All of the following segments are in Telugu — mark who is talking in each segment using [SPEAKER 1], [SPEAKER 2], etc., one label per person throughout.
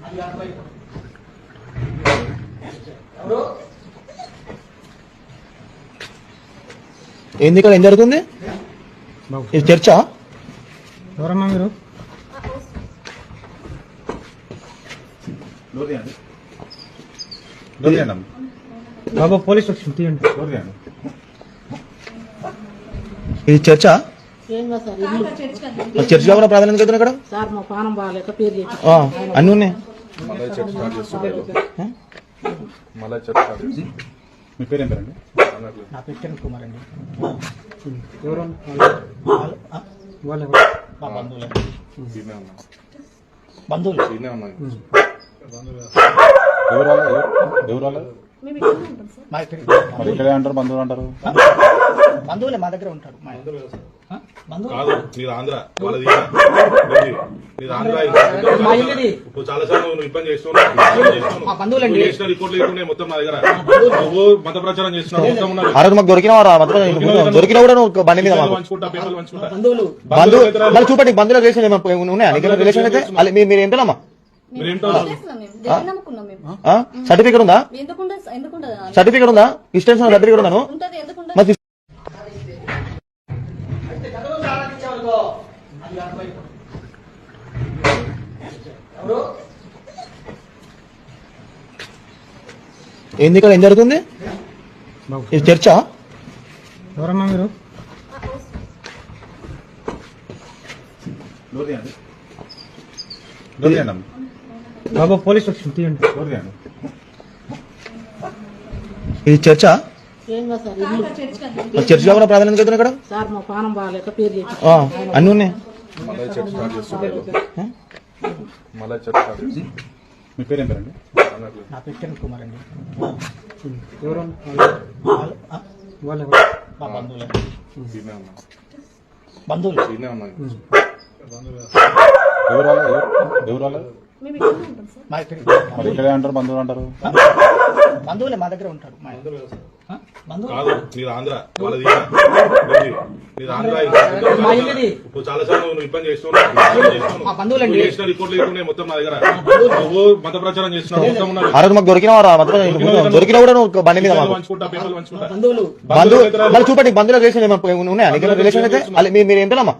[SPEAKER 1] ఏంది ఇక్కడ ఏం జరుగుతుంది? ఇది చర్చా?
[SPEAKER 2] ఎవరమ్మా మీరు? బాబా పోలీస్ స్టేషన్ తీయండి.
[SPEAKER 1] ఇది చర్చా? చర్చ్ కాకుండా ప్రాధాన్యత అవుతుంది ఇక్కడ
[SPEAKER 3] సార్ మా పానం బాగాలేక పేరు
[SPEAKER 1] అన్నీ ఉన్నాయి.
[SPEAKER 4] మీ పేరు ఏం పేరండి?
[SPEAKER 2] నా పేరు కిరణ్ కుమార్ అండి. ఎవరు
[SPEAKER 1] బంధువులు
[SPEAKER 4] ఇక్కడే అంటారు, బంధువులు అంటారు.
[SPEAKER 1] బంధువులే మా దగ్గర ఉంటాడు.
[SPEAKER 5] చాలా సార్లు ఇబ్బంది చేస్తున్నావు మొత్తం నా దగ్గర మత ప్రచారం చేస్తున్నావు.
[SPEAKER 1] ఆ రోజు మాకు దొరికినా కూడా నువ్వు బండి మీద బంధువులు చూపండి. బంధువుల రిలేషన్ ఉన్నాయా రిలేషన్ అయితే? మీరు ఏంటమ్మా సర్టిఫికేట్ ఉందా? సర్టిఫికేట్ ఉందా? డిస్టెన్స్ సర్టిఫికేట్ ఉందా? ఏంది ఇక్కడ ఏం జరుగుతుంది? ఇది చర్చా?
[SPEAKER 2] ఎవరమ్మా మీరు? బాబా పోలీస్ స్టేషన్ తీయండి.
[SPEAKER 1] ఇది చర్చా? చర్చ్ కాకుండా ప్రాధాన్యత అవుతుంది ఇక్కడ
[SPEAKER 3] సార్ మా పానం బాగాలేక పేరు
[SPEAKER 1] అన్నీ ఉన్నాయి.
[SPEAKER 4] మీ పేరు ఏం పేరండి?
[SPEAKER 2] నా పేరు కిరణ్ కుమార్ అండి. ఎవరు
[SPEAKER 1] బంధువులు
[SPEAKER 4] ఇక్కడే అంటారు, బంధువులు అంటారు.
[SPEAKER 1] బంధువులే మా దగ్గర ఉంటాడు.
[SPEAKER 5] చాలా సార్లు ఇబ్బంది చేస్తున్నావు మొత్తం నా దగ్గర మత ప్రచారం చేస్తున్నావు.
[SPEAKER 1] ఆ రోజు మాకు దొరికినా కూడా నువ్వు బండి మీద బంధువులు చూపండి. బంధువుల రిలేషన్ ఉన్నాయా రిలేషన్ అయితే? మీరు ఏంటమ్మా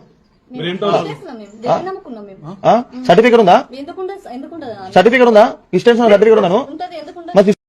[SPEAKER 1] సర్టిఫికేట్ ఉందా? సర్టిఫికేట్ ఉందా? డిస్టెన్స్ సర్టిఫికేట్ ఉందా?